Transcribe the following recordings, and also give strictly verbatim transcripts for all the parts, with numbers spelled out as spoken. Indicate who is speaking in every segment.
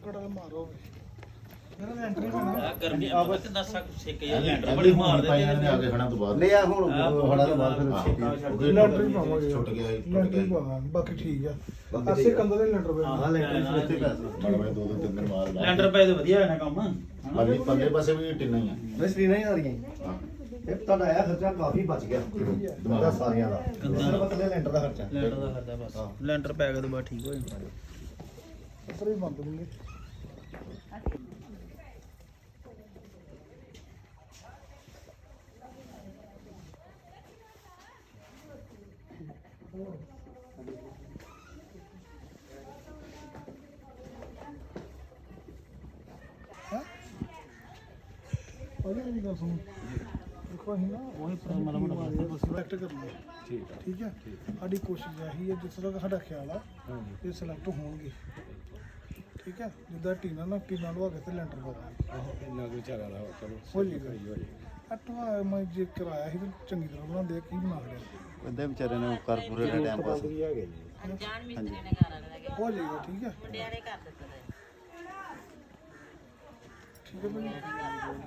Speaker 1: ਕੜਾ ਮਾਰੋ ਮੇਰਾ ਲੈਂਟਰ ਪਾਣਾ
Speaker 2: ਗਰਮੀ ਆ ਕਿੰਨਾ ਸੇਕ ਯਾਰ ਲੈਂਟਰ ਬੜੀ ਮਾਰਦੇ
Speaker 3: ਪਾਈਆਂ ਨੇ ਆ ਕੇ ਖੜਾ ਤੋਂ ਬਾਅਦ
Speaker 4: ਨਹੀਂ ਆ ਹੁਣ ਖੜਾ ਤੋਂ ਬਾਅਦ
Speaker 3: ਫਿਰ
Speaker 1: ਲੈਂਟਰ ਹੀ ਪਾਵਾਂਗੇ
Speaker 3: ਛੁੱਟ ਗਿਆ
Speaker 1: ਲੈਂਟਰ ਹੀ ਪਾਵਾਂਗੇ ਬਾਕੀ ਠੀਕ ਆ ਅਸੀਂ ਕੰਧ ਦੇ ਲੈਂਟਰ ਪਏ
Speaker 4: ਹਾਂ ਲੈਂਟਰ ਇੱਥੇ ਪੈਸੇ
Speaker 3: ਮੈਂ ਦੋ ਦੋ ਤਿੰਨ ਦਿਨ ਬਾਅਦ ਲਾ
Speaker 2: ਲੈਂਟਰ ਪਏ ਤੇ ਵਧੀਆ ਹੋਇਆ ਨਾ ਕੰਮ
Speaker 3: ਪੱਲੇ ਪੱਲੇ ਪਾਸੇ ਵੀ ਟਿੰਨਾ ਹੀ ਆ
Speaker 4: ਮੈਂ ਸ੍ਰੀ ਨਹੀਂ ਆ ਰਹੀਆਂ
Speaker 3: ਹਾਂ
Speaker 4: ਇਹ ਤੁਹਾਡਾ ਆਇਆ ਖਰਚਾ ਕਾਫੀ ਬਚ ਗਿਆ ਤੁਹਾਡਾ ਸਾਰਿਆਂ ਦਾ ਸਿਰਫ ਇਕੱਲੇ ਲੈਂਟਰ ਦਾ ਖਰਚਾ
Speaker 2: ਲੈਂਟਰ ਦਾ ਖਰਚਾ ਬਸ ਲੈਂਟਰ ਪੈ ਗਿਆ ਤੇ ਬਸ ਠੀਕ ਹੋ ਜਾਂਦਾ
Speaker 1: ਉੱਪਰ ਹੀ ਬੰਦ ਹੋਣਗੇ ਉਹਦੇ ਵੀ ਗੱਲ ਸੁਣ ਦੇਖੋ ਅਸੀਂ ਨਾ
Speaker 2: ਉਹੀ ਮਾੜਾ ਮਾੜਾ
Speaker 1: ਸਿਲੈਕਟ ਕਰਨਾ ਠੀਕ ਹੈ ਠੀਕ ਹੈ ਸਾਡੀ ਕੋਸ਼ਿਸ਼ ਇਹੀ ਹੈ ਜਿੱਥੇ ਤੱਕ ਸਾਡਾ ਖਿਆਲ ਆ ਇਹ ਸਿਲੈਕਟ ਹੋਣਗੇ ਠੀਕ ਹੈ ਜਿੱਦਾਂ ਟੀਨਾ ਨਾ ਟੀਨਾ ਲਵਾ ਕੇ ਤੇ ਲੈਂਟਰ ਪਾ ਦਾਂਗੇ
Speaker 5: ਇੰਨਾ ਕੋਈ ਝਾਗਾ ਦਾ ਚਲੋ
Speaker 1: ਹੋ ਜਾਏਗਾ ਅਟਵਾ ਮੈਂ ਜੇ ਕਰਾਇਆ ਸੀ ਤੇ ਚੰਗੀ ਤਰ੍ਹਾਂ ਬਣਾਉਂਦੇ ਆ, ਕੀ ਬਣਾ ਲਿਆ
Speaker 4: ਬੰਦੇ ਵਿਚਾਰੇ ਨੇ ਕਰ ਪੂਰੇ ਦਾ ਟਾਈਮ ਪਾਸ
Speaker 6: ਅਣਜਾਣ ਮਿਸਤਰੀ ਨੇ ਘਰ ਵਾਲੇ ਦਾ
Speaker 1: ਹੋ ਜਾਏਗਾ ਠੀਕ ਹੈ
Speaker 6: ਮੁੰਡਿਆਂ ਨੇ ਕਰ ਦਿੱਤਾ
Speaker 1: ਠੀਕ ਹੈ ਭਾਈ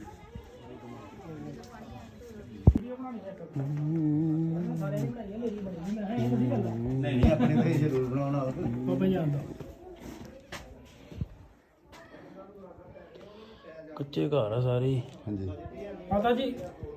Speaker 4: ਨਹੀਂ ਨਹੀਂ ਆਪਣੀ ਤਾਂ ਜ਼ਰੂਰ ਬਣਾਉਣਾ
Speaker 1: ਬਾਬਾ ਜਾਂਦਾ
Speaker 2: ਕੱਚੇ ਘਰ ਆ ਸਾਰੇ
Speaker 4: ਹਾਂਜੀ
Speaker 1: ਮਾਤਾ ਜੀ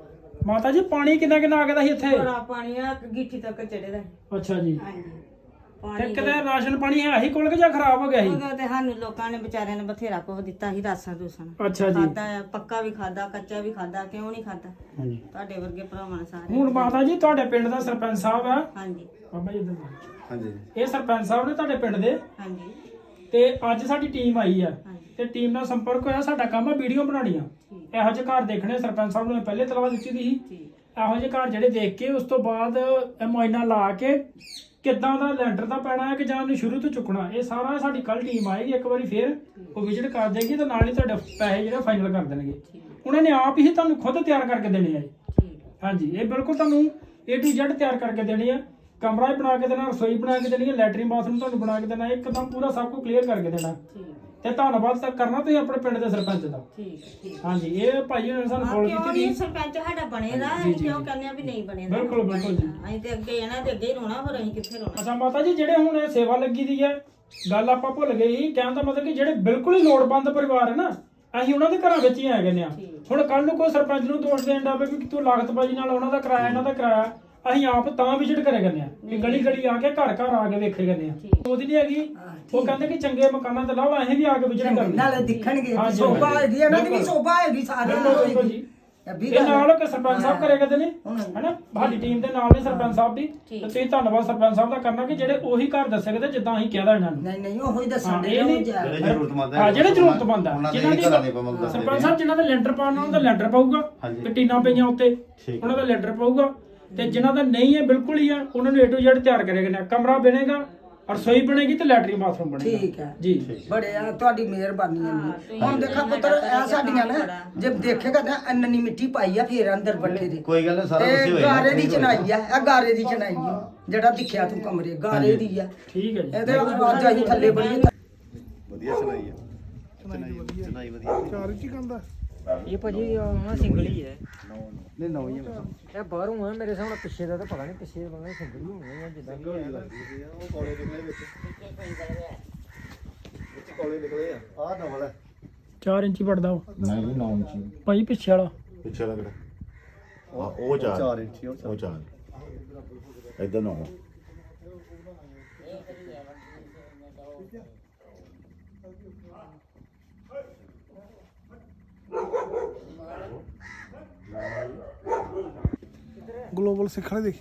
Speaker 1: ਮਾਤਾ ਜੀ ਪਾਣੀ ਕਿੰਨਾ ਕਿੰਨਾ ਆ ਗਿਆ ਸੀ ਇੱਥੇ
Speaker 6: ਬੜਾ ਪਾਣੀ ਆ ਗਿੱਠੀ ਤੱਕ ਚੜੇ ਦਾ
Speaker 1: ਅੱਛਾ ਜੀ
Speaker 6: ਹਾਂਜੀ
Speaker 1: ਤੇ
Speaker 6: ਪਾਣੀ
Speaker 1: ਕਿਤੇ ਰਾਸ਼ਨ ਪਾਣੀ ਹੈ ਹੀ ਕੋਲ ਕਿ ਜਾਂ ਖਰਾਬ ਹੋ ਗਿਆ ਸੀ
Speaker 6: ਉਹਦਾ ਤੇ ਸਾਨੂੰ ਲੋਕਾਂ ਨੇ ਵਿਚਾਰਿਆਂ ਨੇ ਬਥੇਰਾ ਕੁਝ ਦਿੱਤਾ ਸੀ ਰਾਸਾਂ ਰੂਸਾਂ
Speaker 1: ਅੱਛਾ ਜੀ
Speaker 6: ਖਾਦਾ ਪੱਕਾ ਵੀ ਖਾਦਾ ਕੱਚਾ ਵੀ ਖਾਦਾ ਕਿਉਂ ਨਹੀਂ ਖਾਦਾ
Speaker 1: ਹਾਂਜੀ
Speaker 6: ਤੁਹਾਡੇ ਵਰਗੇ ਭਰਾਵਾਂ ਨੇ ਸਾਰੇ
Speaker 1: ਹੁਣ ਮਾਤਾ ਜੀ ਤੁਹਾਡੇ ਪਿੰਡ ਦਾ ਸਰਪੰਚ ਸਾਹਿਬ ਆ
Speaker 6: ਹਾਂਜੀ
Speaker 1: ਬਾਬਾ ਜੀ ਇੱਧਰ
Speaker 4: ਹਾਂਜੀ
Speaker 1: ਇਹ ਸਰਪੰਚ ਸਾਹਿਬ ਨੇ ਤੁਹਾਡੇ ਪਿੰਡ ਦੇ
Speaker 6: ਹਾਂਜੀ
Speaker 1: ਤੇ ਅੱਜ ਸਾਡੀ ਟੀਮ ਆਈ ਆ
Speaker 6: ਹਾਂਜੀ
Speaker 1: ਤੇ ਟੀਮ ਨਾਲ ਸੰਪਰਕ ਹੋਇਆ ਸਾਡਾ ਕੰਮ ਆ ਵੀਡੀਓ ਬਣਾਉਣੀਆਂ
Speaker 6: ਠੀਕ
Speaker 1: ਇਹੋ ਜਿਹੇ ਘਰ ਦੇਖਣੇ ਸਰਪੰਚ ਸਾਹਿਬ ਨੂੰ ਪਹਿਲੇ ਤਲਵਾ ਦਿੱਤੀ ਦੀ ਸੀ
Speaker 6: ਠੀਕ
Speaker 1: ਇਹੋ ਜਿਹੇ ਘਰ ਜਿਹੜੇ ਦੇਖ ਕੇ ਉਸ ਤੋਂ ਬਾਅਦ ਇਹ ਮੁਆਇਨਾ ਲਾ ਕੇ ਕਿੱਦਾਂ ਦਾ ਲੈਂਟਰ ਦਾ ਪੈਣਾ ਹੈ ਕਿ ਜਾਂ ਉਹਨੂੰ ਸ਼ੁਰੂ ਤੋਂ ਚੁੱਕਣਾ ਇਹ ਸਾਰਾ ਸਾਡੀ ਕੱਲ ਟੀਮ ਆਏਗੀ ਇੱਕ ਵਾਰੀ ਫਿਰ ਉਹ ਵਿਜ਼ਿਟ ਕਰ ਜਾਏਗੀ ਤੇ ਨਾਲ ਹੀ ਤੁਹਾਡੇ ਪੈਸੇ ਜਿਹੜੇ ਫਾਈਨਲ ਕਰ ਦੇਣਗੇ ਉਹਨਾਂ ਨੇ ਆਪ ਹੀ ਤੁਹਾਨੂੰ ਖੁਦ ਤਿਆਰ ਕਰਕੇ ਦੇਣੇ ਆ ਜੀ
Speaker 6: ਠੀਕ
Speaker 1: ਹਾਂਜੀ ਇਹ ਬਿਲਕੁਲ ਤੁਹਾਨੂੰ A to Z ਤਿਆਰ ਕਰਕੇ ਦੇਣੀ ਆ ਕਮਰਾ ਹੀ ਬਣਾ ਕੇ ਦੇਣਾ ਰਸੋਈ ਬਣਾ ਕੇ ਦੇਣੀ ਹੈ ਲੈਟਰਿਨ ਬਾਥਰੂਮ ਤੁਹਾਨੂੰ ਬਣਾ ਕੇ ਦੇਣਾ ਇੱਕਦਮ ਪੂਰਾ ਸਭ ਕੁਝ ਕਲੀਅਰ ਕਰਕੇ ਦੇਣਾ
Speaker 6: ਠੀਕ
Speaker 1: ਤੇ ਧੰਨਵਾਦ ਤਾਂ ਕਰਨਾ ਤੁਸੀਂ ਆਪਣੇ ਪਿੰਡ ਦੇ ਸਰਪੰਚ ਦਾ
Speaker 6: ਠੀਕ ਠੀਕ
Speaker 1: ਹਾਂਜੀ ਇਹ ਭਾਈ ਨੇ ਸਾਨੂੰ ਕਾਲ
Speaker 6: ਕਿਉਂ
Speaker 1: ਕੀਤੀ
Speaker 6: ਨਹੀਂ
Speaker 1: ਸੀ
Speaker 6: ਸਰਪੰਚ ਸਾਡਾ ਬਣੇਦਾ ਅਸੀਂ ਕਿਉਂ ਕਹਿੰਦੇ ਆ ਵੀ ਨਹੀਂ ਬਣੇਦਾ
Speaker 1: ਬਿਲਕੁਲ, ਬਿਲਕੁਲ ਜੀ।
Speaker 6: ਅਸੀਂ ਤੇ ਅੱਗੇ ਇਹਨਾਂ ਦੇ ਅੱਗੇ ਹੀ ਰੋਣਾ ਹੋਰ ਅਸੀਂ ਕਿੱਥੇ ਰੋਣਾ
Speaker 1: ਅੱਛਾ ਮਾਤਾ ਜੀ ਜਿਹੜੇ ਹੁਣ ਇਹ ਸੇਵਾ ਲੱਗੀ ਦੀ ਹੈ ਗੱਲ ਆਪਾਂ ਭੁੱਲ ਗਏ ਸੀ ਕਹਿਣ ਦਾ ਮਤਲਬ ਕਿ ਜਿਹੜੇ ਬਿਲਕੁਲ ਹੀ ਲੋੜਵੰਦ ਪਰਿਵਾਰ ਹੈ ਨਾ ਅਸੀਂ ਉਹਨਾਂ ਦੇ ਘਰਾਂ ਵਿੱਚ ਹੀ ਆ ਗਏ ਆ ਹੁਣ ਕੱਲ ਨੂੰ ਕੋਈ ਸਰਪੰਚ ਨੂੰ ਦੋਸ਼ ਦੇਣ ਦਾ ਵੀ ਤੂੰ ਲਾਗਤਬਾਜ਼ੀ ਨਾਲ ਉਹਨਾਂ ਦਾ ਕਿਰਾਇਆ ਇਹਨਾਂ ਦਾ ਕਿਰਾਇਆ ਅਸੀਂ ਆਪ ਤਾਂ ਵਿਜ਼ਿਟ ਕਰੇ ਗਏ ਆ ਕਿ ਗਲੀ ਗਲੀ ਆ ਕੇ ਘਰ ਘਰ ਆ ਕੇ ਵੇਖੇ ਗਏ ਆ ਉਹਦੀ ਨਹੀਂ ਹੈਗੀ ਉਹ ਕਹਿੰਦੇ ਕਿ ਚੰਗੇ ਮਕਾਨਾਂ ਤੇ ਲਾਓ ਅਸੀਂ ਵੀ ਆ ਕੇ ਵਿਜ਼ਿਟ ਕਰਨੀ
Speaker 7: ਨਾਲੇ ਦਿਖਣਗੇ
Speaker 1: ਹਾਂਜੀ,
Speaker 7: ਸੋਭਾ
Speaker 1: ਹਾਂਜੀ।
Speaker 7: ਹੈਗੀ ਇਹਨਾਂ ਦੀ ਵੀ
Speaker 1: ਬਿਲਕੁਲ।
Speaker 7: ਸੋਭਾ ਹੈਗੀ ਸਾਰਿਆਂ
Speaker 1: ਬਿਲਕੁਲ,
Speaker 7: ਦੀ
Speaker 1: ਬਿਲਕੁਲ ਜੀ।
Speaker 7: ਇਹ ਵੀ
Speaker 1: ਇਹ ਨਾਲ ਕਿ ਸਰਪੰਚ ਸਾਹਿਬ ਕਰੇ ਕਰਦੇ ਨੇ
Speaker 7: ਹੁਣ-
Speaker 1: ਹੈਨਾ ਸਾਡੀ ਟੀਮ ਦੇ ਨਾਲ ਨੇ ਸਰਪੰਚ ਸਾਹਿਬ ਦੀ ਤੇ ਤੁਸੀਂ ਧੰਨਵਾਦ ਸਰਪੰਚ ਸਾਹਿਬ ਦਾ ਕਰਨਾ ਕਿ ਜਿਹੜੇ ਉਹੀ ਘਰ ਦੱਸੇ ਗਏ ਜਿੱਦਾਂ ਅਸੀਂ ਕਹਿਦਾ ਇਹਨਾਂ ਨੂੰ
Speaker 7: ਨਹੀਂ ਨਹੀਂ ਉਹੀ
Speaker 1: ਹਾਂ,
Speaker 7: ਦੱਸਣ ਦੇ
Speaker 1: ਇਹ ਨਹੀਂ-
Speaker 4: ਜਿਹੜੇ ਜ਼ਰੂਰਤਮੰਦ ਹੈ
Speaker 1: ਹਾਂ ਜਿਹੜੇ ਜ਼ਰੂਰਤਮੰਦ ਆ
Speaker 4: ਉਹਨਾਂ ਦੇ
Speaker 1: ਜਿਨ੍ਹਾਂ
Speaker 4: ਘਰਾਂ ਦੇ ਆਪਾਂ ਦੱਸਦੇ
Speaker 1: ਸਰਪੰਚ ਸਾਹਿਬ ਜਿਨ੍ਹਾਂ ਦਾ ਲੈਂਟਰ ਪਾਉਣਾ ਉਹਨਾਂ ਦਾ ਲੈਂਟਰ ਪਾਊਗਾ
Speaker 4: ਹਾਂਜੀ।
Speaker 1: ਤੇ ਟੀਨਾਂ ਪਈਆਂ ਉੱਤੇ
Speaker 4: ਠੀਕ
Speaker 1: ਉਹਨਾਂ ਦਾ ਲੈਂਟਰ ਪਾਊਗਾ ਤੇ ਜਿਨ੍ਹਾਂ ਦਾ ਨਹੀਂ ਹੈ ਬਿਲਕੁਲ ਹੀ ਆ ਉਹਨਾਂ ਨੂੰ A to Z ਤਿਆਰ ਕਰੇਗਾ ਨਾ ਕਮਰਾ ਬਣੇਗਾ ਰਸੋਈ ਬਣੇਗੀ ਤੇ ਲੈਟਰਿਨ ਬਾਥਰੂਮ ਬਣੇਗਾ
Speaker 7: ਠੀਕ ਹੈ
Speaker 1: ਜੀ
Speaker 7: ਬੜੇ ਆ ਤੁਹਾਡੀ ਮਿਹਰਬਾਨੀ ਹੈ ਹੁਣ ਦੇਖਾ ਪੁੱਤਰ ਇਹ ਸਾਡੀਆਂ ਨਾ ਜੇ ਦੇਖੇਗਾ ਨਾ ਅੰਨਨੀ ਮਿੱਟੀ ਪਾਈ ਆ ਫੇਰ ਅੰਦਰ ਬੱਠੇ ਦੇ
Speaker 4: ਕੋਈ ਗੱਲ ਨਹੀਂ ਸਾਰਾ ਕੁਝ
Speaker 7: ਤੇ
Speaker 4: ਹੋਏਗਾ
Speaker 7: ਗਾਰੇ ਦੀ ਚਨਾਈ ਆ ਇਹ ਗਾਰੇ ਦੀ ਚਨਾਈ ਆ ਜਿਹੜਾ ਦਿਖਿਆ ਤੂੰ ਕਮਰੇ ਗਾਰੇ ਦੀ ਆ
Speaker 1: ਠੀਕ ਹੈ ਜੀ
Speaker 7: ਇਹਦੇ ਅੱਜ ਅਸੀਂ ਥੱਲੇ ਬੜੀ
Speaker 4: ਵਧੀਆ ਸੁਣਾਈ ਆ ਸੁਣਾਈ ਵਧੀਆ
Speaker 1: ਚਾਰ ਇੰਚੀ ਕੰਦਾ
Speaker 8: ਇਹ ਭਾਜੀ ਆਹ ਸਿੰਗਲ ਹੀ ਹੈ
Speaker 4: ਨਹੀਂ ਨੌ ਹੀ
Speaker 8: ਇਹ ਬਾਹਰੋਂ ਆ ਮੇਰੇ ਸਾਹਮਣੇ ਪਿੱਛੇ ਦਾ ਤਾਂ ਪਤਾ ਨਹੀਂ ਪਿੱਛੇ ਬੰਦਾ ਸਿੰਗਲ ਹੀ ਹੋਣੀ ਹੈ ਜਿੱਦਾਂ ਵੀ ਹੈ
Speaker 4: ਉਹ ਕੋਲੇ ਨਿਕਲੇ ਵਿੱਚ ਵਿੱਚ ਕੋਲੇ ਨਿਕਲੇ ਆ ਆਹ ਡਬਲ ਹੈ
Speaker 1: ਚਾਰ ਇੰਚੀ ਪੜਦਾ ਉਹ
Speaker 3: ਨਹੀਂ ਜੀ ਨੌ ਇੰਚੀ
Speaker 1: ਭਾਈ ਪਿੱਛੇ ਵਾਲਾ
Speaker 3: ਪਿੱਛੇ ਵਾਲਾ ਕਿਹੜਾ ਆ ਉਹ ਚਾਰ
Speaker 4: ਚਾਰ ਇੰਚੀ ਉਹ
Speaker 3: ਉਹ ਚਾਰ ਇਧਰ ਨੌ
Speaker 1: ਗਲੋਬਲ ਸਿੱਖਣੇ ਦੇਖੀ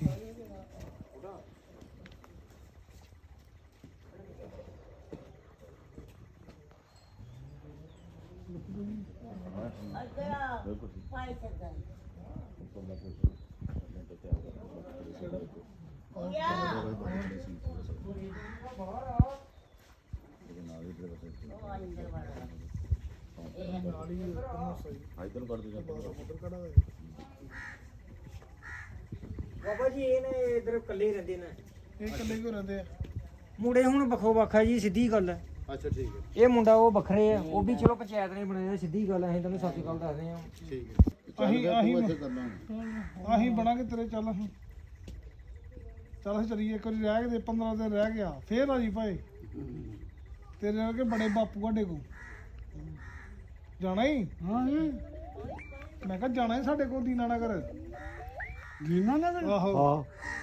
Speaker 3: ਇਧਰ ਕੱਢ ਦੇ
Speaker 8: ਬਾਬਾ ਜੀ ਇਹ ਨੇ ਇਧਰ ਇਕੱਲੇ ਰਹਿੰਦੇ ਨੇ
Speaker 1: ਇਹ ਇਕੱਲੇ ਕਿਉਂ ਰਹਿੰਦੇ ਆ
Speaker 8: ਮੁੰਡੇ ਹੁਣ ਵੱਖੋ ਵੱਖਾ ਜੀ ਸਿੱਧੀ ਗੱਲ ਹੈ
Speaker 3: ਅੱਛਾ ਠੀਕ ਹੈ
Speaker 8: ਇਹ ਮੁੰਡਾ ਉਹ ਵੱਖਰੇ ਆ ਉਹ ਵੀ ਚਲੋ ਪੰਚਾਇਤ ਨੇ ਬਣਾਇਆ ਸਿੱਧੀ ਗੱਲ ਅਸੀਂ ਤੁਹਾਨੂੰ ਸੱਚੀ ਗੱਲ ਦੱਸਦੇ ਆ
Speaker 3: ਠੀਕ ਹੈ
Speaker 5: ਅਸੀਂ ਅਸੀਂ
Speaker 3: ਇੱਥੇ ਕਰਨਾ
Speaker 5: ਅਸੀਂ ਬਣਾਂਗੇ ਤੇਰੇ ਚੱਲ ਅਸੀਂ ਚੱਲ ਅਸੀਂ ਚੱਲੀਏ ਇੱਕ ਵਾਰੀ ਰਹਿ ਕੇ ਦੇ ਪੰਦਰਾਂ ਦਿਨ ਰਹਿ ਗਿਆ ਫੇਰ ਆ ਜੀ ਭਾਈ ਤੇਰੇ ਵਰਗੇ ਬੜੇ ਬਾਪੂ ਸਾਡੇ ਕੋਲ ਜਾਣਾ ਹੀ ਹਾਂ ਮੈਂ ਕਿਹਾ ਜਾਣਾ ਹੀ ਸਾਡੇ ਕੋਲ ਦੀਨਾ ਨਗਰ ਦੀਨਾ ਨਗਰ ਆਹੋ ਹਾਂ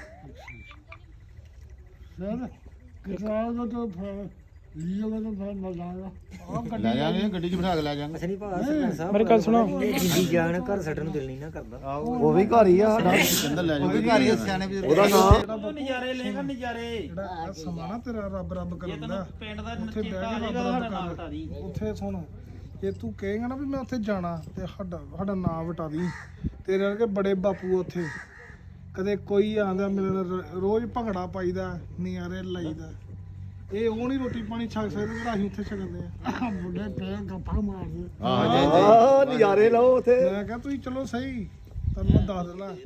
Speaker 5: ਸਰ ਕਿਸਾਨ ਦਾ ਤਾਂ ਲੀਓ ਦਾ ਤਾਂ ਮਜ਼ਾਗਾ ਆ
Speaker 3: ਲੈ ਜਾਾਂਗੇ ਗੱਡੀ 'ਚ ਬਿਠਾ ਕੇ ਲੈ ਜਾਾਂਗੇ
Speaker 8: ਅਸਲੀ ਭਾਅ ਸਰਪੰਚ ਸਾਹਿਬ
Speaker 1: ਮੇਰੀ ਗੱਲ ਸੁਣੋ
Speaker 8: ਜਿੰਦੀ ਜਾਨ ਘਰ ਛੱਡਣ ਨੂੰ ਦਿਲ ਨਹੀਂ ਨਾ ਕਰਦਾ
Speaker 4: ਉਹ ਵੀ ਘਰ ਹੀ ਆ ਸਾਡਾ
Speaker 3: ਕਹਿੰਦਾ ਲੈ ਜਾਓ ਘਰ ਹੀ ਸਿਆਣੇ ਵੀ
Speaker 4: ਉਹਦਾ ਨਾਮ
Speaker 2: ਨਜ਼ਾਰੇ ਲੈਗਾ ਨਜ਼ਾਰੇ
Speaker 5: ਜਿਹੜਾ ਸਮਾਂ ਨਾ ਤੇਰਾ ਰੱਬ ਰੱਬ ਕਰਨ ਦਾ
Speaker 2: ਪਿੰਡ ਦਾ
Speaker 5: ਉੱਥੇ ਬਹਿ ਕੇ ਰੱਬ ਰੱਬ ਕਰ ਉੱਥੇ ਸੁਣ ਜੇ ਤੂੰ ਕਹੇਗਾ ਨਾ ਵੀ ਮੈਂ ਉੱਥੇ ਜਾਣਾ ਤੇ ਸਾਡਾ ਸਾਡਾ ਨਾਂ ਵਟਾ ਦੀ ਤੇਰੇ ਵਰਗੇ ਬੜੇ ਬਾਪੂ ਉੱਥੇ ਕਦੇ ਕੋਈ ਆਂਦਾ ਮਿਲਣ ਰੋਜ਼ ਭੰਗੜਾ ਪਾਈਦਾ ਨਿਆਰੇ ਲਾਈਦਾ ਇਹ ਉਹ ਨਹੀਂ ਰੋਟੀ ਪਾਣੀ ਛਕ ਸਕਦੇ ਜਿਹੜਾ ਅਸੀਂ ਉੱਥੇ ਛਕਦੇ ਆ ਮੁੰਡੇ ਤੇ ਗੱਪਾਂ ਮਾਰਦੇ
Speaker 3: ਹਾਂ ਜੀ
Speaker 4: ਆ ਨਜ਼ਾਰੇ ਲਓ ਉੱਥੇ
Speaker 5: ਮੈਂ ਕਿਹਾ ਤੁਸੀਂ ਚਲੋ ਸਹੀ ਤੁਹਾਨੂੰ ਮੈਂ ਦੱਸ ਦਿੰਦਾ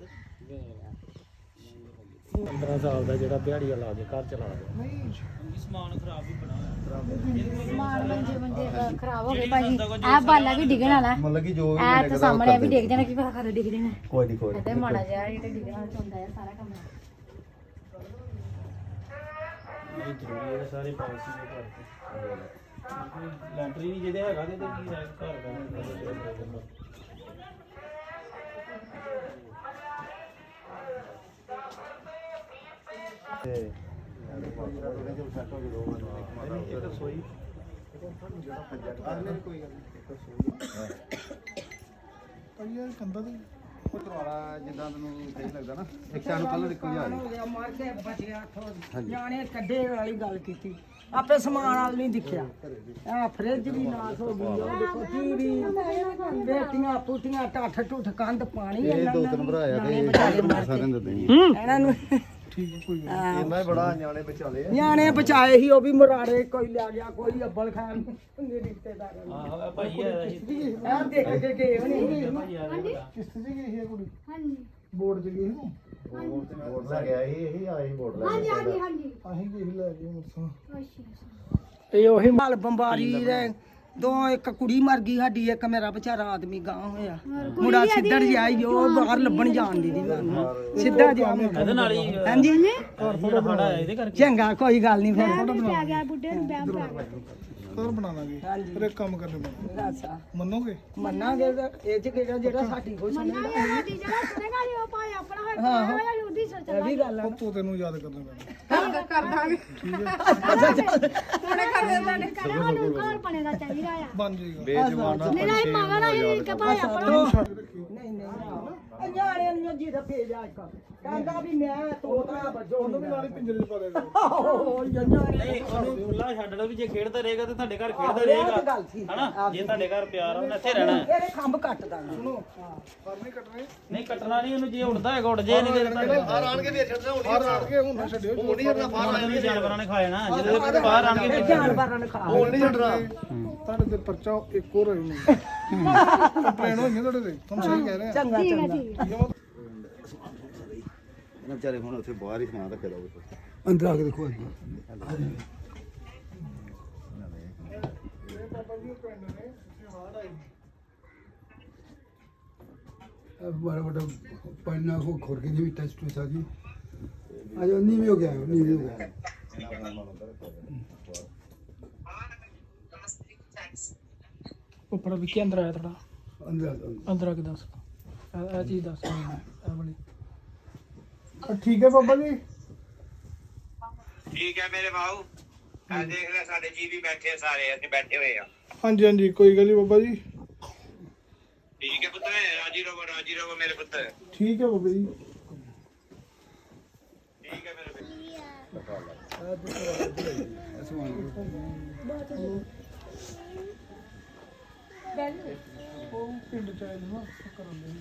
Speaker 8: ਪੰਦਰਾਂ ਸਾਲ ਦਾ ਜਿਹੜਾ ਦਿਹਾੜੀਆ ਲਾ ਕੇ ਘਰ ਚਲਾ ਦੇ
Speaker 5: ਨਹੀਂ
Speaker 2: ਸਮਾਨ ਖਰਾਬ ਵੀ ਬਣਾ
Speaker 9: ਸਮਾਨ ਮੰਜੇ ਮੰਜੇ ਖਰਾਬ ਹੋ ਗਏ ਭਾਜੀ ਆ ਬਾਲਾ ਵੀ ਡਿੱਗਣ ਵਾਲਾ
Speaker 4: ਮਤਲਬ ਕਿ ਜੋ
Speaker 9: ਆ ਤੇ ਸਾਹਮਣੇ ਵੀ ਡਿੱਗ ਜਾਣਾ ਕੀ ਪਤਾ ਕਦੋਂ ਡਿੱਗ ਜਾਣਾ
Speaker 4: ਕੋਈ ਨਹੀਂ ਕੋਈ
Speaker 9: ਤੇ ਮਾੜਾ ਜਿਹਾ ਜਿਹੜਾ ਡਿੱਗਣ ਵਾਲਾ ਹੁੰਦਾ ਹੈ ਸਾਰਾ ਕੰਮ
Speaker 2: ਇਹ ਜ਼ਰੂਰੀ ਹੈ ਸਾਰੇ ਪਾਲਿਸੀ ਦੇ ਘਰ ਤੇ ਲੈਂਟਰੀ ਨਹੀਂ ਜਿਹਦੇ ਹੈਗਾ ਤੇ ਕੀ ਹੈ ਘਰ ਦਾ
Speaker 5: ਭਾਈ ਇਹ ਕੰਦਾ ਦੀ
Speaker 4: ਵਾਲਾ ਜਿੱਦਾਂ ਤੈਨੂੰ ਸਹੀ ਲੱਗਦਾ ਨਾ ਇੱਕ ਨੂੰ ਕਲਰ ਇੱਕੋ ਜਿਹਾ
Speaker 7: ਹੋ ਗਿਆ ਮਰ ਕੇ ਬਚਿਆ ਥੋ ਨਿਆਣੇ ਕੱਢੇ ਵਾਲੀ ਗੱਲ ਕੀਤੀ ਆਪੇ ਸਮਾਨ ਵਾਲ ਨਹੀਂ ਦਿਖਿਆ ਆ ਫਰਿੱਜ ਵੀ ਨਾਸ ਹੋ ਗਈ ਉਹ ਦੇਖੋ ਟੀਵੀ ਬੇਟੀਆਂ ਪੁੱਟੀਆਂ ਟੱਠ ਟੁੱਠ ਕੰਧ ਪਾਣੀ
Speaker 4: ਇਹ ਦੋ ਤਿੰਨ ਭਰਾ ਆ ਤੇ ਸਾਰਿਆਂ ਦੇ ਦੇਣੀ
Speaker 7: ਇਹਨਾਂ ਨੂੰ
Speaker 5: ਠੀਕ ਹੈ ਕੋਈ ਗੱਲ
Speaker 4: ਇੰਨਾ ਹੀ ਬੜਾ ਨਿਆਣੇ ਬਚਾਲੇ ਆ
Speaker 7: ਨਿਆਣੇ ਬਚਾਏ ਸੀ ਉਹ ਵੀ ਮਰਾੜੇ ਕੋਈ ਲਿਆ ਗਿਆ ਕੋਈ ਅੱਬਲ ਖਾਨ ਦੇ ਰਿਸ਼ਤੇਦਾਰਾਂ ਨੂੰ
Speaker 2: ਆਹ ਭਾਈ ਆਇਆ ਸੀ
Speaker 7: ਆ ਦੇਖ ਕੇ ਗਏ ਹੋਣੇ
Speaker 5: ਕਿਸ ਤੇ ਗਈ ਸੀ ਇਹ ਕੁੜੀ
Speaker 9: ਹਾਂਜੀ
Speaker 5: ਬੋਰਡ 'ਚ ਗਈ ਸੀ
Speaker 4: ਵੋਟ ਲੈ ਗਿਆ ਇਹ ਇਹ ਆਏ ਵੋਟ ਲੈ
Speaker 9: ਹਾਂਜੀ ਹਾਂਜੀ ਹਾਂਜੀ
Speaker 5: ਅਸੀਂ ਗਈ ਸੀ ਲੈ ਕੇ ਮੁਰਸਾਂ
Speaker 9: ਅੱਛਾ
Speaker 7: ਇਹ ਉਹੀ ਮਾਲ ਬੰਬਾਰੀ ਦੇ ਦੋ ਇੱਕ ਕੁੜੀ ਮਰ ਗਈ ਸਾਡੀ ਇੱਕ ਮੇਰਾ ਵਿਚਾਰਾ ਆਦਮੀ ਗਾਂ ਹੋਇਆ ਮੁੰਡਾ ਸਿੱਧੜ ਜਿਹਾ ਹੀ ਉਹ ਬਾਹਰ ਲੱਭਣ ਜਾਣ ਦੀ ਦੀ ਸਿੱਧਾ ਜਿਹਾ
Speaker 2: ਇਹਦੇ ਨਾਲ ਹੀ
Speaker 7: ਹਾਂਜੀ
Speaker 2: ਘਰ ਫੋਟੋ ਬਣਾ ਇਹਦੇ ਕਰਕੇ
Speaker 7: ਚੰਗਾ ਕੋਈ ਗੱਲ ਨਹੀਂ ਫਿਰ
Speaker 9: ਪੈ ਗਿਆ ਬੁੱਢੇ ਨੂੰ ਬੈਮ ਪੈ ਗਿਆ
Speaker 5: ਘਰ ਬਣਾ ਲਾਂਗੇ ਫਿਰ ਇੱਕ ਕੰਮ ਕਰਨੇ ਪੈਣਾ
Speaker 7: ਅੱਛਾ
Speaker 5: ਮੰਨੋਗੇ
Speaker 7: ਮੰਨਾਂਗੇ ਤਾਂ ਇਹ ਚ ਕਿਹੜਾ ਜਿਹੜਾ ਸਾਡੀ ਕੋਈ ਸੁਣਦਾ
Speaker 9: ਸਾਡੀ ਜਿਹੜਾ ਸੁਣੇਗਾ ਜੀ ਉਹ ਭਾਵੇਂ ਆਪਣਾ ਹੋਏ ਭਾਵੇਂ ਉਹਦੀ ਸੋਚ
Speaker 7: ਇਹ ਵੀ ਗੱਲ ਆ
Speaker 5: ਉਹ ਤੋਤੇ ਨੂੰ ਯਾਦ ਕਰਨਾ ਪੈਣਾ
Speaker 9: ਉਹਨੇ ਕਰ ਦਿੰਦਾ ਨੇ ਸਾਨੂੰ ਘਰ ਬਣੇ ਦਾ ਚਾਹੀਦਾ ਆ
Speaker 5: ਬਣ ਜਾਏਗਾ
Speaker 3: ਬੇਜਮਾਨਾ
Speaker 9: ਮੇਰਾ ਹੀ ਮੰਗਣਾ ਹੀ ਕਿ ਭਾਵੇਂ ਆਪਣਾ
Speaker 7: ਨਹੀਂ ਨਹੀਂ ਇਹ ਨਿਆਣਿਆਂ ਨੂੰ ਜੀ ਦਾ ਭੇਜਿਆ ਇੱਕ ਕਹਿੰਦਾ ਵੀ ਮੈਂ ਤੋਤਾ ਵੱਜੋ
Speaker 5: ਉਹਨੂੰ ਵੀ ਨਾਲ ਹੀ ਪਿੰਜਰੇ 'ਚ ਪਾ ਦੇਗਾ
Speaker 7: ਉਹ ਨਿਆਣੇ
Speaker 2: ਨਹੀਂ ਉਹਨੂੰ ਖੁੱਲਾ ਛੱਡ ਲਓ ਵੀ ਜੇ ਖੇਡਦਾ ਰਹੇਗਾ ਤੇ ਤੁਹਾਡੇ ਘਰ ਖੇਡਦਾ
Speaker 7: ਇਹ
Speaker 2: ਰਹੇਗਾ
Speaker 7: ਤਾਂ ਗੱਲ ਸੀ
Speaker 2: ਹਨਾ ਜੇ ਤੁਹਾਡੇ ਘਰ ਪਿਆਰ ਆ ਉਹਨੇ ਇੱਥੇ ਰਹਿਣਾ ਹੈ।
Speaker 7: ਇਹਦੇ ਖੰਭ ਕੱਟ ਦਾਂਗੇ ਸੁਣੋ
Speaker 5: ਫਰ ਨਹੀਂ ਕੱਟਣੇ
Speaker 2: ਨਹੀਂ ਕੱਟਣਾ ਨਹੀਂ ਉਹਨੂੰ ਜੇ ਉੱਡਦਾ ਹੈਗਾ ਉੱਡ ਜੇ ਨਹੀਂ ਤੇ ਤੁਹਾਡੇ
Speaker 4: ਬਾਹਰ ਆਣ ਕੇ ਫੇਰ ਛੱਡਣਾ ਹੁਣ
Speaker 5: ਫਰ ਆੜ ਕੇ ਹੁਣ ਨਾ ਛੱਡਿਓ
Speaker 4: ਹੁਣ ਨਹੀਂ ਛੱਡਣਾ ਬਾਹਰ
Speaker 2: ਉਹਨੂੰ ਜਾਨਵਰਾਂ ਨੇ ਖਾ ਜਾਣਾ ਜਦੋਂ ਤੱਕ ਬਾਹਰ ਆਣਗੇ
Speaker 7: ਇਹ ਜਾਨਵਰਾਂ ਨੂੰ ਖਾ
Speaker 4: ਹੁਣ ਨਹੀਂ ਛੱਡਣਾ
Speaker 5: ਤੁਹਾਡੇ ਤੇ ਪਰਚਾ ਇੱਕ ਹੋਰ ਹੋਈ ਨਹੀਂ ਕੰਪਲੇਨ ਹੋਈ ਹੈ ਤੁਹਾਡੇ ਤੇ ਤੁਹਾਨੂੰ ਸਹੀ ਕਹਿ ਰਹੇ ਆ
Speaker 7: ਚੰਗਾ ਚੰਗਾ
Speaker 3: ਇਹਨਾਂ ਵਿਚਾਰੇ ਹੁਣ ਉੱਥੇ ਬਾਹਰ ਹੀ ਸਮਾਨ ਰੱਖਿਆ ਜਾਊਗਾ
Speaker 5: ਅੰਦਰ ਆ ਕੇ ਦੇਖੋ ਅੱਜ
Speaker 10: बड़ा बड़ा पन्ना को खोल के भी टेस्ट हुआ था जी आज नहीं भी हो गया नहीं भी हो गया
Speaker 1: ਉੱਪਰ ਵੀ ਕੀ ਅੰਦਰ ਆਇਆ ਥੋੜਾ
Speaker 10: अंदर अंदर
Speaker 1: ਅੰਦਰ ਆ ਕੇ ਦੱਸ ਇਹ ਇਹ ਚੀਜ਼ ਦੱਸ ਇਹ ਵਾਲੀ
Speaker 5: ਠੀਕ ਹੈ ਬਾਬਾ ਜੀ
Speaker 11: ਠੀਕ ਹੈ ਮੇਰੇ ਬਾਊ ਆ ਦੇਖ ਲੈ ਸਾਡੇ ਜੀ ਵੀ ਬੈਠੇ ਆ ਸਾਰੇ ਅਸੀਂ ਬੈਠੇ ਹੋਏ ਆ
Speaker 5: ਹਾਂਜੀ ਹਾਂਜੀ ਕੋਈ ਗੱਲ ਨਹੀਂ ਬਾਬਾ ਜੀ
Speaker 11: ਠੀਕ ਹੈ ਪੁੱਤ ਰਾਜੀ ਰਹੋ ਰਾਜੀ ਰਹੋ ਮੇਰੇ ਪੁੱਤ
Speaker 5: ਠੀਕ ਹੈ ਬਾਬਾ ਜੀ
Speaker 11: ਠੀਕ ਹੈ ਮੇਰੇ
Speaker 5: ਉਹ ਪਿੰਡ ਚ ਆਏ ਨੇ ਨਾ ਕਰਨ ਦੇ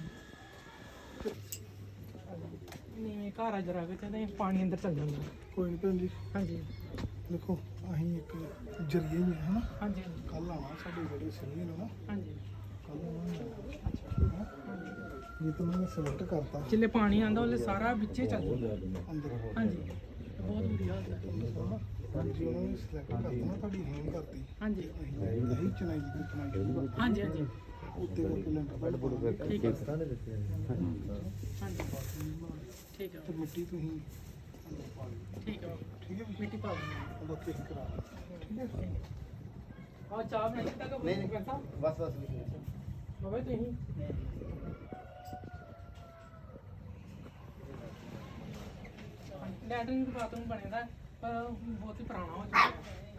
Speaker 1: ਨਹੀਂ ਘਰ ਆ ਜਰਾ ਕੇ ਤੇ ਪਾਣੀ ਅੰਦਰ ਚੱਲ ਜਾਂਦਾ
Speaker 5: ਕੋਈ ਨਹੀਂ ਭੈਣ ਜੀ
Speaker 1: ਹਾਂਜੀ
Speaker 5: ਦੇਖੋ ਅਸੀਂ ਇੱਕ ਜਰੀਏ ਹੀ ਹਾਂ ਹਨਾ
Speaker 1: ਹਾਂਜੀ
Speaker 5: ਕੱਲ ਆਣਾ ਸਾਡੇ ਜਿਹੜੇ ਸੀਨੀਅਰ ਨੇ ਨਾ
Speaker 1: ਹਾਂਜੀ
Speaker 5: ਕੱਲ ਆਉਣਾ ਅੱਛਾ ਇਹ ਤਾਂ ਮੈਂ ਸਿਲੈਕਟ ਕਰਤਾ
Speaker 1: ਜਿੱਲੇ ਪਾਣੀ ਆਂਦਾ ਉਹਲੇ ਸਾਰਾ ਵਿੱਚੇ ਚੱਲ ਜਾਂਦਾ
Speaker 5: ਅੰਦਰ
Speaker 1: ਹਾਂਜੀ ਬਹੁਤ ਬੁਰੀ ਹਾਲਤ ਹੈ
Speaker 5: ਹਾਂਜੀ ਉਹਨਾਂ ਨੇ ਸਿਲੈਕਟ ਕਰਤਾ ਨਾ ਤੁਹਾਡੀ ਹੀਮ ਕਰਤੀ
Speaker 7: ਹਾਂਜੀ
Speaker 5: ਅਸੀਂ ਚਨਾਈ ਦੀ ਚਨਾਈ
Speaker 7: ਹਾਂਜੀ ਹਾਂਜੀ
Speaker 5: ਉੱਤੇ ਕਰਕੇ ਲੈਂਟਰ ਬੈਡ ਬੋਲ
Speaker 7: ਠੀਕ ਹੈ
Speaker 5: ਨੇ ਦਿੱਤੇ
Speaker 7: ਹਾਂਜੀ ਠੀਕ ਹੈ
Speaker 5: ਤੇ ਮਿੱਟੀ ਤੁਸੀਂ
Speaker 7: ਠੀਕ ਹੈ
Speaker 5: ਠੀਕ ਹੈ
Speaker 7: ਮਿੱਟੀ ਪਾ ਦਿੰਦੇ
Speaker 5: ਉਹ ਕੇ ਕਰਾ ਠੀਕ ਹੈ
Speaker 7: ਹਾਂ ਚਾਹ ਬਣਾਈ ਤੱਕ
Speaker 3: ਨਹੀਂ ਨਹੀਂ ਬਸ ਬਸ
Speaker 7: ਬਾਬਾ ਤੁਸੀਂ ਲੈਟਰਿੰਗ ਬਾਥਰੂਮ ਬਣੇਦਾ ਪਰ ਬਹੁਤ ਹੀ ਪੁਰਾਣਾ ਹੋ ਚੁੱਕਾ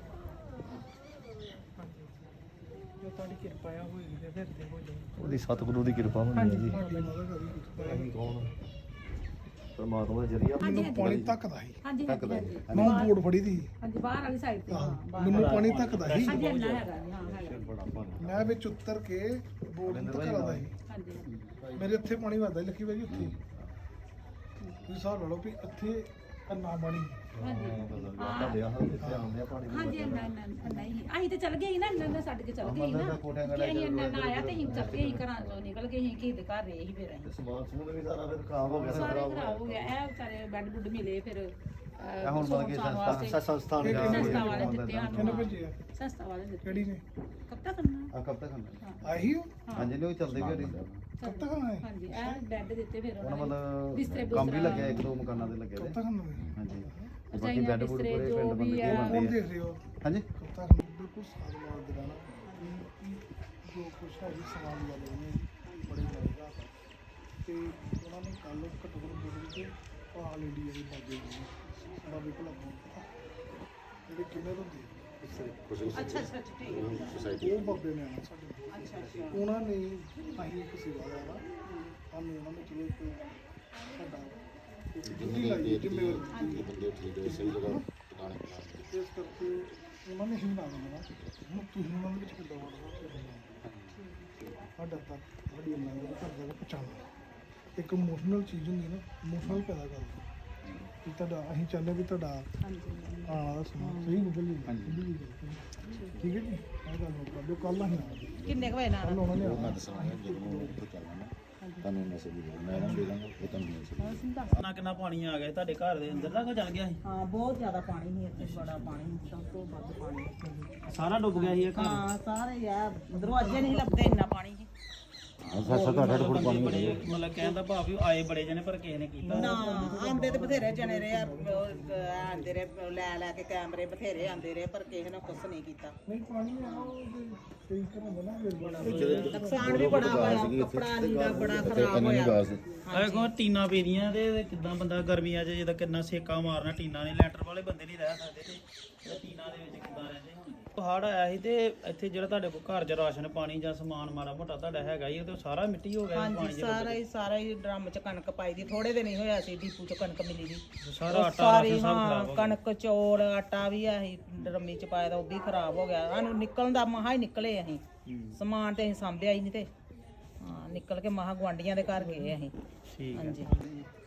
Speaker 7: ਜੋ ਤੁਹਾਡੀ ਕਿਰਪਾ ਆ ਹੋਏਗੀ ਤੇ ਫਿਰ ਤੇ ਹੋ ਜਾਏ
Speaker 4: ਉਹਦੀ ਸਤਿਗੁਰੂ ਦੀ ਕਿਰਪਾ ਹੋਣੀ ਹੈ ਜੀ
Speaker 5: ਅਸੀਂ
Speaker 4: ਕੌਣ ਪਰਮਾਤਮਾ ਦਾ ਜਰੀਆ
Speaker 5: ਮੈਨੂੰ ਪਾਣੀ ਤੱਕਦਾ ਸੀ
Speaker 9: ਹਾਂਜੀ
Speaker 3: ਤੱਕਦਾ
Speaker 9: ਹਾਂਜੀ
Speaker 3: ਹੈ
Speaker 5: ਮੈਂ ਬੋਰਡ ਫੜੀ ਦੀ
Speaker 9: ਹਾਂਜੀ ਬਾਹਰ ਵਾਲੀ ਸਾਈਡ ਤੇ ਹਾਂ ਬਾਹਰ
Speaker 5: ਮੈਨੂੰ ਪਾਣੀ ਤੱਕਦਾ ਸੀ
Speaker 9: ਹਾਂਜੀ ਇੰਨਾ ਹੈਗਾ ਜੀ, ਹਾਂ ਹੈਗਾ
Speaker 3: ਬੜਾ ਪਾਣੀ
Speaker 5: ਮੈਂ ਵਿੱਚ ਉਤਰ ਕੇ ਬੋਰਡ ਨੂੰ ਤੱਕਦਾ ਸੀ
Speaker 9: ਹਾਂਜੀ
Speaker 5: ਮੇਰੇ ਇੱਥੇ ਪਾਣੀ ਵੱਧਦਾ ਸੀ ਲੱਕੀ ਬਾਈ ਉੱਥੇ ਤੁਸੀਂ ਹਿਸਾਬ ਲਾ ਲਓ ਵੀ ਇੱਥੇ ਅੰਨਾ ਪਾਣੀ
Speaker 9: ਹਾਂਜੀ
Speaker 3: ਤੁਹਾਡੇ ਆਹ ਇੱਥੇ ਆਉਂਦੇ ਆ ਪਾਣੀ
Speaker 9: ਹਾਂਜੀ ਇੰਨਾ ਇੰਨਾ ਨਹੀਂ ਅਸੀਂ ਤੇ ਚੱਲ ਗਏ ਸੀ ਨਾ ਇੰਨਾ ਇੰਨਾ ਛੱਡ ਕੇ ਚੱਲ ਗਏ ਸੀ ਨਾ ਕਿ ਅਸੀਂ ਇੰਨਾ ਇੰਨਾ ਆਇਆ ਤੇ ਅਸੀਂ ਚੱਲ ਗਏ ਸੀ ਘਰਾਂ ਚੋਂ ਨਿਕਲ ਗਏ ਸੀ ਕਿਸੇ ਦੇ ਘਰ ਰਹੇ ਸੀ ਫਿਰ ਅਸੀਂ
Speaker 3: ਸਮਾਨ ਸਮੂਨ ਵੀ ਸਾਰਾ ਫਿਰ ਖਰਾਬ ਹੋ ਗਿਆ
Speaker 9: ਸਾਰੇ ਖਰਾਬ ਹੋ ਗਿਆ ਇਹ ਵਿਚਾਰੇ ਬੈੱਡ ਬੁੱਡ ਮਿਲੇ ਫਿਰ
Speaker 3: ਇਹ ਹੁਣ ਮਤਲਬ ਕਿ ਸੰਸਥਾ ਸੰਸਥਾ ਨੇ
Speaker 9: ਸੰਸਥਾ ਵਾਲੇ ਦਿੱਤੇ
Speaker 5: ਕਿਹਨੇ
Speaker 9: ਸਾਨੂੰ
Speaker 5: ਭੇਜਿਆ
Speaker 9: ਸੰਸਥਾ ਵਾਲੇ ਦਿੱਤੇ
Speaker 5: ਕਿਹੜੀ ਨੇ
Speaker 9: ਕਦ ਤੱਕ ਕਰਨਾ
Speaker 3: ਆ ਕਬ ਤੱਕ ਹੁੰਦਾ
Speaker 5: ਆਹੀ ਹੋ
Speaker 3: ਹਾਂਜੀ ਨਹੀਂ ਉਹ ਚੱਲਦੇ ਵੀ ਹੋਰੀ
Speaker 5: ਕਦ ਤੱਕ ਆਏ
Speaker 9: ਹਾਂਜੀ ਇਹ ਬੈੱਡ ਦਿੱਤੇ ਫਿਰ
Speaker 3: ਉਹਨਾਂ
Speaker 9: ਉਹਨਾਂ ਨੇ ਬਿਸਤਰੇ
Speaker 3: ਮਤਲਬ ਕੰਮ ਵੀ
Speaker 9: ਬੁਸਤਰਾ
Speaker 3: ਲੱਗਿਆ ਇੱਕ ਦੋ ਮਕਾਨਾਂ ਦੇ ਲੱਗੇ
Speaker 5: ਕਦ
Speaker 3: ਦੇ
Speaker 5: ਤੱਕ ਆਏ
Speaker 3: ਹਾਂਜੀ ਤੇ ਬਾਕੀ
Speaker 9: ਰਜਾਈਆਂ,
Speaker 3: ਬੈੱਡ ਬੁੱਡ
Speaker 9: ਬਿਸਤਰੇ
Speaker 3: ਪੂਰੇ
Speaker 9: ਜੋ
Speaker 3: ਪਿੰਡ
Speaker 9: ਵੀ
Speaker 3: ਬੰਦੇ
Speaker 9: ਆ।
Speaker 3: ਕੀ
Speaker 5: ਕੌਣ
Speaker 3: ਬੰਦੇ
Speaker 5: ਦੇਖ ਰਹੇ ਹੋ
Speaker 3: ਹਾਂਜੀ
Speaker 5: ਕਦ ਤੱਕ ਬਿਲਕੁਲ ਸਾਧ ਮਾਰ ਦੇ ਰਹਿਣਾ ਜੋ ਕੁਛ ਹੈ ਜੀ ਸਮਾਨ ਲਾ ਲਏ ਨੇ ਬੜੇ ਲੱਗਦਾ ਤੇ ਉਹਨਾਂ ਨੇ ਕੱਲ ਘੱਟੋ ਘੱਟ ਬੋਲ ਕੇ ਆਲ ਇੰਡੀਆ ਦੀ ਬਾਜੀ ਦਾ ਵੀ ਭਲਾ ਜਿਹੜੇ ਕਿੰਨੇ ਹੁੰਦੇ
Speaker 7: ਅੱਛਾ ਅੱਛਾ ਠੀਕ ਹੈ
Speaker 5: ਉਹ ਬਾਬੇ ਨੇ ਆਉਣਾ ਸਾਡੇ ਨਾਲ।
Speaker 7: ਅੱਛਾ ਅੱਛਾ
Speaker 5: ਉਹਨਾਂ ਨੇ ਅਸੀਂ ਇੱਕ ਸੇਵਾਦਾਰ ਆ ਸਾਨੂੰ ਉਹਨਾਂ ਨੇ ਚਲੋ ਇੱਕ ਸਾਡਾ ਇੱਕ ਡਿਊਟੀ ਲਾਈ ਜ਼ਿੰਮੇਵਾਰੀ ਦਿੱਤੀ
Speaker 3: ਬੰਦੇ ਠੀਕ ਹੈ ਸਹੀ ਜਗ੍ਹਾ ਟਿਕਾਣੇ ਪਾ
Speaker 5: ਇਸ ਕਰਕੇ ਉਹਨਾਂ ਨੇ ਹੀ ਬਣਾ ਦੇਣਾ ਹੁਣ ਤੁਸੀਂ ਉਹਨਾਂ ਦੇ ਵਿੱਚ ਕਿੱਦਾਂ ਵੜਦਾ ਸਾਡਾ ਤੱਕ ਸਾਡੀ ਲੰਗਰ ਘਰ ਦਾ ਪਹੁੰਚਾਉਣਾ ਇੱਕ ਇਮੋਸ਼ਨਲ ਚੀਜ਼ ਹੁੰਦੀ ਨਾ ਇਮੋਸ਼ਨਲ ਪੈਦਾ ਕਰਦਾ ਕਿ ਤੁਹਾਡਾ ਅਸੀਂ ਚਾਹੁੰਦੇ ਵੀ ਤੁਹਾਡਾ ਆਉਣ ਵਾਲਾ ਸਮਾਂ ਸਹੀ ਨਿਕਲ ਜੀ ਠੀਕ ਹੈ ਜੀ ਇਹ ਗੱਲ ਨੋਟ ਕਰ ਲਿਓ ਕੱਲ ਅਸੀਂ ਆਵਾਂਗੇ
Speaker 7: ਕਿੰਨੇ ਕੁ ਵਜੇ ਨਾਲ
Speaker 5: ਕੱਲ ਉਹਨਾਂ ਨੇ
Speaker 3: ਮੈਂ
Speaker 5: ਆਉਣਾ
Speaker 3: ਦੱਸਾਂਗਾ ਜਦੋਂ ਉੱਥੇ ਚੱਲਣਾ ਤੁਹਾਨੂੰ ਮੈਸੇਜ ਦੇ ਮੈਂ ਨਾ ਦੇ ਦਾਂਗਾ ਉਹ ਤੁਹਾਨੂੰ ਮੈਸੇਜ
Speaker 2: ਕਿੰਨਾ ਕਿੰਨਾ ਪਾਣੀ ਆ ਗਿਆ ਤੁਹਾਡੇ ਘਰ ਦੇ ਅੰਦਰ ਤੱਕ ਚੱਲ ਗਿਆ ਸੀ
Speaker 7: ਹਾਂ ਬਹੁਤ ਜ਼ਿਆਦਾ ਪਾਣੀ ਸੀ ਇੱਥੇ ਬੜਾ ਪਾਣੀ ਸਭ ਤੋਂ ਵੱਧ ਪਾਣੀ ਇੱਥੇ।
Speaker 2: ਸਾਰਾ ਡੁੱਬ ਗਿਆ ਸੀ ਇਹ ਘਰ
Speaker 7: ਹਾਂ ਸਾਰੇ ਆ ਦਰਵਾਜ਼ੇ ਨਹੀਂ ਲੱਭਦੇ ਇੰਨਾ ਪਾਣੀ ਸੀ
Speaker 3: ਅੱਛਾ ਅੱਛਾ ਤੁਹਾਡਾ ਫੁੱਟ ਪਾਣੀ ਹੋ
Speaker 2: ਬੜੇ
Speaker 3: ਗਿਆ
Speaker 2: ਮਤਲਬ ਕਹਿਣ ਦਾ ਭਾਵ ਵੀ ਆਏ ਬੜੇ ਜਣੇ ਪਰ ਕਿਸੇ ਨੇ ਕੀਤਾ
Speaker 7: ਨਾ ਆਂਦੇ ਤੇ ਬਥੇਰੇ ਜਣੇ ਰਹੇ ਆ ਉਹ ਆਂਦੇ ਰਹੇ ਲੈ ਲੈ ਕੇ ਕੈਮਰੇ ਬਥੇਰੇ ਆਂਦੇ ਰਹੇ ਪਰ ਕਿਸੇ ਨੇ ਕੁਛ ਨਹੀਂ ਕੀਤਾ
Speaker 5: ਨਹੀਂ ਪਾਣੀ ਆ ਉਹਦੇ ਕਈ ਤਰ੍ਹਾਂ ਦਾ ਨਾ ਫਿਰ
Speaker 7: ਨੁਕਸਾਨ ਵੀ ਬੜਾ ਹੋਇਆ ਕੱਪੜਾ ਲੀੜਾ ਬੜਾ ਖਰਾਬ ਹੋਇਆ
Speaker 2: ਆਏ ਕੋ ਟੀਨਾ ਪੀਦੀਆਂ ਤੇ ਕਿਦਾਂ ਬੰਦਾ ਗਰਮੀਆਂ 'ਚ ਜਿਹਦਾ ਕਿੰਨਾ ਸੇਕਾ ਮਾਰਨਾ ਟੀਨਾ ਨੇ ਲੈਂਟਰ ਵਾਲੇ ਬੰਦੇ ਨਹੀਂ ਰਹਿ ਸਕਦੇ ਤੇ ਟੀਨਾ ਦੇ ਵਿੱਚ ਕਿਦਾਂ ਰਹਿੰਦੇ ਹੁਣ ਹੜ੍ਹ ਆਇਆ ਸੀ ਤੇ ਇੱਥੇ ਜਿਹੜਾ ਤੁਹਾਡੇ ਕੋਲ ਘਰ 'ਚ ਰਾਸ਼ਨ ਪਾਣੀ ਜਾਂ ਸਮਾਨ ਮਾੜਾ ਮੋਟਾ ਤੁਹਾਡਾ ਹੈਗਾ ਹੀ ਉਹ ਤੇ ਸਾਰਾ ਮਿੱਟੀ ਹੋ ਗਿਆ ਸੀ ਪਾਣੀ
Speaker 7: ਹਾਂਜੀ
Speaker 2: 'ਚ
Speaker 7: ਸਾਰਾ ਹੀ ਸਾਰਾ ਹੀ ਡਰਮ ਚ ਕਣਕ ਪਾਈ ਦੀ ਥੋੜੇ ਦਿਨ ਹੀ ਹੋਇਆ ਸੀ ਡੀਪੂ ਚ ਕਣਕ ਮਿਲੀ ਦੀ
Speaker 2: ਸਾਰਾ
Speaker 7: ਉਹ
Speaker 2: ਆਟਾ
Speaker 7: ਸਾਰੀ
Speaker 2: ਰਾਸ਼ਨ ਸਭ
Speaker 7: ਹਾਂ
Speaker 2: ਖਰਾਬ ਹੋ ਗਿਆ
Speaker 7: ਕਣਕ ਚੌਲ ਆਟਾ ਵੀ ਆਹੀ ਡਰਮੀ ਚ ਪਾਇਆ ਦਾ ਉਹ ਵੀ ਖਰਾਬ ਹੋ ਗਿਆ ਸਾਨੂੰ ਨਿਕਲਣ ਦਾ ਮਹਾ ਹੀ ਨਿਕਲੇ ਅਸੀਂ ਸਮਾਨ ਤੇ ਅਸੀਂ ਸਾਂਭਿਆ ਹੀ ਨਹੀਂ ਤੇ ਹਾਂ ਨਿਕਲ ਕੇ ਮਹਾ ਗੁਆਂਢੀਆਂ ਦੇ ਘਰ ਗਏ ਅਸੀਂ
Speaker 2: ਠੀਕ ਹੈ
Speaker 7: ਹਾਂਜੀ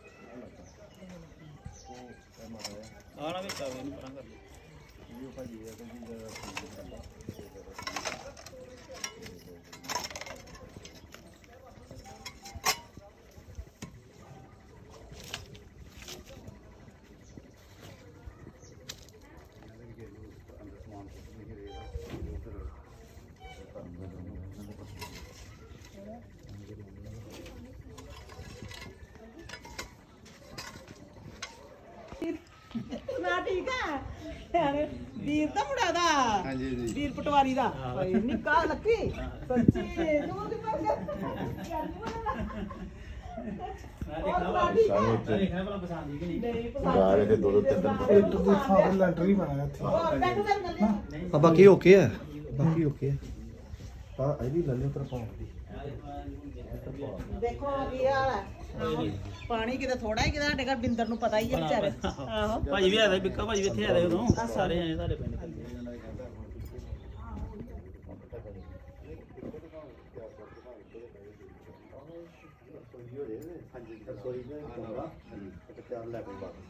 Speaker 2: ਆਣਾ ਵਿੱਚ ਆਵੇ ਇਹਨੂੰ ਪਰਾਂ ਕਰ ਲਓ
Speaker 7: ਨਾ ਠੀਕ ਹੈ ਯਾਰ ਵੀਰ ਤਾਂ ਮੁੰਡਾ ਦਾ
Speaker 3: ਹਾਂਜੀ ਜੀ
Speaker 7: ਵੀਰ ਪਟਵਾਰੀ ਦਾ ਓਏ ਨਿੱਕਾ ਲੱਕੀ ਸੱਚੀ ਤੂੰ ਦੀ ਪਰ
Speaker 2: ਦੇਖਣਾ ਭਲਾ ਪਸੰਦ ਹੀ ਕਿ ਨਹੀਂ
Speaker 7: ਨਹੀਂ
Speaker 3: ਗਾਰੇ ਦੇ ਦੋ ਦੋ ਤਿੰਨ ਤਿੰਨ
Speaker 5: ਇੱਕ ਦੋ ਥਾਂ ਤੇ ਲੈਂਟਰ ਹੀ ਬਣਾਇਆ ਇੱਥੇ
Speaker 4: ਆ ਬਾਕੀ ਓਕੇ ਆ ਬਾਕੀ ਓਕੇ ਆ ਆ ਇਹ ਵੀ ਲੈ ਲਿਓ ਤੇਰਾ ਪਾਉਂ
Speaker 7: ਦੇਖੋ ਕੀ ਹਾਲ ਹੈ ਪਾਣੀ ਕਿਤੇ ਥੋੜਾ ਹੀ ਕਿਤੇ ਸਾਡੇ ਘਰ ਬਿੰਦਰ ਨੂੰ ਪਤਾ ਹੀ ਹੈ ਵਿਚਾਰੇ ਆਹੋ
Speaker 2: ਭਾਜੀ ਵੀ ਆਇਆ ਬਿੱਕਾ ਭਾਜੀ ਵੀ ਇੱਥੇ ਆਏ ਉਦੋਂ ਸਾਰੇ ਆਏ ਤੁਹਾਡੇ ਪਿੰਡ
Speaker 3: ਹਾਂਜੀ ਰਸੋਈ ਦੇ ਕਮਰਾ ਹਾਂਜੀ ਤੇ ਚਾਰ ਲੈ ਕੇ ਬਾਅਦ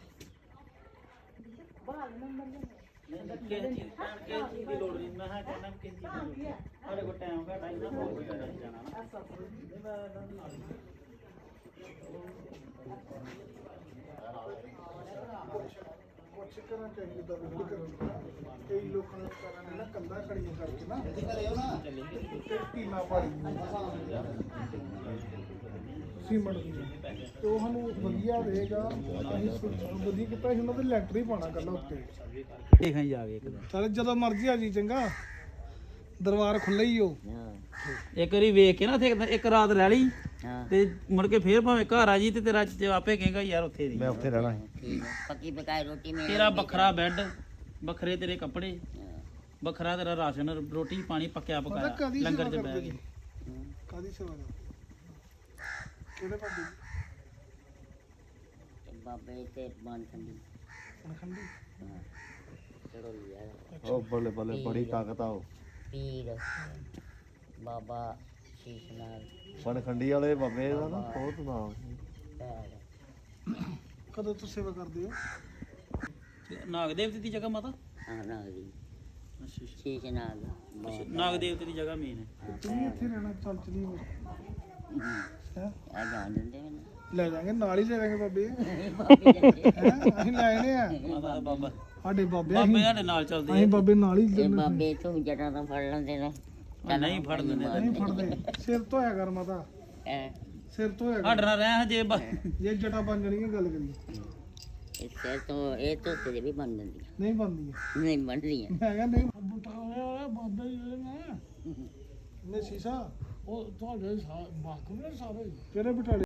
Speaker 2: ਕਿਸੇ ਚੀਜ਼ ਕਿਸੇ ਚੀਜ਼ ਦੀ ਲੋੜ ਨਹੀਂ ਮੈਂ ਕਹਿੰਦਾ ਕਿਸੇ ਚੀਜ਼ ਦੀ ਲੋੜ ਸਾਡੇ ਕੋਲ ਟਾਈਮ ਘੱਟ ਆਈ ਨਾ ਬਹੁਤ ਕੋਈ ਨਹੀਂ ਜਾਣਾ ਨਾ
Speaker 5: ਅੱਛੇ ਘਰਾਂ ਚ ਅਸੀਂ ਇਦਾਂ ਵਿਹੜੇ ਕਰਨ ਕਈ ਲੋਕਾਂ ਨੇ ਵਿਚਾਰਿਆਂ ਨੇ ਨਾ ਕੰਧਾਂ ਖੜੀਆਂ ਕਰਕੇ ਨਾ ਤੇ ਟੀਨਾ ਪਾੜੀ ਸੀਮੈਂਟ ਦੀ ਤੇ ਉਹ ਸਾਨੂੰ ਵਧੀਆ ਰਹੇਗਾ। ਅਸੀਂ ਸੋ- ਵਧੀਆ ਕੀਤਾ ਅਸੀਂ ਉਹਨਾਂ ਦੇ ਲੈਂਟਰ ਹੀ ਪਾਣਾ ਕੱਲਾ ਉੱਤੇ।
Speaker 2: ਦੇਖਾਂ ਜਾ ਕੇ ਇੱਕ ਦਿਨ
Speaker 5: ਚੱਲ ਜਦੋਂ ਮਰਜ਼ੀ ਆ ਜੀ, ਚੰਗਾ ਦਰਬਾਰ ਖੁੱਲ੍ਹਾ ਹੀ ਹੋ।
Speaker 2: ਇੱਕ ਵਾਰੀ ਵੇਖ ਕੇ ਨਾ ਉੱਥੇ ਇੱਕ- ਇੱਕ ਰਾਤ ਰਹਿ ਲਈ ਤੇ ਮੁੜ ਕੇ ਫੇਰ ਭਾਵੇਂ ਘਰ ਆ ਜੀ ਤੇ ਤੇਰਾ ਤੇ ਆਪੇ ਕਹੇਗਾ ਯਾਰ ਉੱਥੇ ਦੀ
Speaker 4: ਮੈਂ ਉੱਥੇ ਰਹਿਣਾ ਹੈ।
Speaker 6: ਪੱਕੀ ਪਕਾਈ ਰੋਟੀ ਮਿਲ
Speaker 2: ਤੇਰਾ ਵੱਖਰਾ ਬੈੱਡ, ਵੱਖਰੇ ਤੇਰੇ ਕੱਪੜੇ, ਵੱਖਰਾ ਤੇਰਾ ਰਾਸ਼ਨ, ਰੋਟੀ ਪਾਣੀ ਪੱਕਿਆ
Speaker 5: ਪਤਾ
Speaker 2: ਪਕਾਇਆ,
Speaker 5: ਕਾਦੀ
Speaker 2: ਲੰਗਰ
Speaker 5: ਸੇਵਾ
Speaker 2: ਚ ਬਹਿ
Speaker 5: ਕਰਦੇ
Speaker 2: ਕੇ।
Speaker 5: ਕਾਦੀ ਸੇਵਾ ਕਰਦੇ ਕਿਹੜੇ ਬਾਬੇ ਦੀ?
Speaker 6: ਬਾਬੇ ਤੇ ਬਣ ਖੰਡੀ
Speaker 5: ਪਨਖੰਡੀ
Speaker 6: ਚੜੋ ਲਿਆ
Speaker 4: ਉਹ ਬੱਲੇ ਬੱਲੇ ਬੜੀ ਤਾਕਤ ਆ ਉਹ
Speaker 6: ਪੀਰ ਬਾਬਾ ਸ਼ੀਸ਼ ਨਾਲ
Speaker 4: ਪਨਖੰਡੀ ਵਾਲੇ ਬਾਬੇ ਦਾ ਨਾ ਬਹੁਤ ਨਾਮ।
Speaker 5: ਕਦੋਂ ਤੋਂ ਸੇਵਾ ਕਰਦੇ ਹੋ?
Speaker 2: ਤੇ ਨਾਗ ਦੇਵਤੇ ਦੀ ਜਗ੍ਹਾ ਮਾਤਾ?
Speaker 6: ਹਾਂ ਨਾ ਦੀ
Speaker 2: ਅੱਛਾ ਅੱਛਾ।
Speaker 6: ਸ਼ੀਸ਼ ਨਾਲ
Speaker 2: ਅੱਛਾ, ਨਾਗ ਦੇਵਤੇ ਦੀ ਜਗ੍ਹਾ ਮੇਨ ਹੈ।
Speaker 5: ਤੂੰ ਵੀ ਇੱਥੇ ਰਹਿਣਾ? ਚੱਲ ਚਲੀ ਹੋ ਹੈਂ?
Speaker 6: ਆ ਜਾਣ ਦਿੰਦੇ ਮੈਨੂੰ
Speaker 5: ਲੈ ਜਾਾਂਗੇ ਨਾਲ ਹੀ ਲੈ ਜਾਾਂਗੇ ਬਾਬੇ।
Speaker 6: ਬਾਬੇ ਜਾਂਦੇ
Speaker 5: ਹੈਂ? ਅਸੀਂ ਲੈ ਆਣੇ ਆ
Speaker 2: ਮਾਤਾ ਦਾ ਬਾਬਾ
Speaker 5: ਸਾਡੇ ਬਾਬੇ।
Speaker 2: ਬਾਬੇ
Speaker 5: ਅਸੀਂ
Speaker 2: ਸਾਡੇ ਨਾਲ ਚੱਲਦੇ
Speaker 5: ਅਸੀਂ ਬਾਬੇ ਨਾਲ ਹੀ
Speaker 6: ਇਹ
Speaker 5: ਜਾਂਦੇ।
Speaker 6: ਬਾਬੇ ਤੋਂ ਜਟਾਂ ਤੋਂ ਫੜ ਲੈਂਦੇ ਨੇ
Speaker 2: ਆ। ਨਹੀਂ ਫੜ ਦਿੰਦੇ
Speaker 5: ਨਹੀਂ ਫੜਦੇ। ਸਿਰ ਧੋਇਆ ਕਰ ਮਾਤਾ,
Speaker 6: ਐ
Speaker 5: ਸਿਰ ਧੋਇਆ ਕਰ।
Speaker 2: ਸਾਡੇ ਨਾਲ ਰਹਿ ਹਜੇ ਬ-
Speaker 5: ਜੇ ਜਟਾ ਬਣ ਜਾਣੀਆਂ ਗੱਲ ਕਰੀ
Speaker 6: ਇਸ ਤੋਂ ਇਹ ਤੋਂ ਤੇ ਵੀ ਬਣ ਜਾਂਦੀ
Speaker 5: ਨਹੀਂ ਬਣਦੀ।
Speaker 6: ਨਹੀਂ ਬਣਦੀਆਂ
Speaker 5: ਮੈਂ ਕਿਹਾ ਨਹੀਂ ਬੁੱਟਾ ਹੋਇਆ ਬਾਬੇ ਜਿਹੜੇ ਨੇ ਨੇ ਸੀਸਾ ਉਹ ਤੁਹਾਡੇ ਬਾਥਰੂਮ ਨੇ ਸਾਰੇ ਕਿਹੜੇ ਬਟਾਲੇ?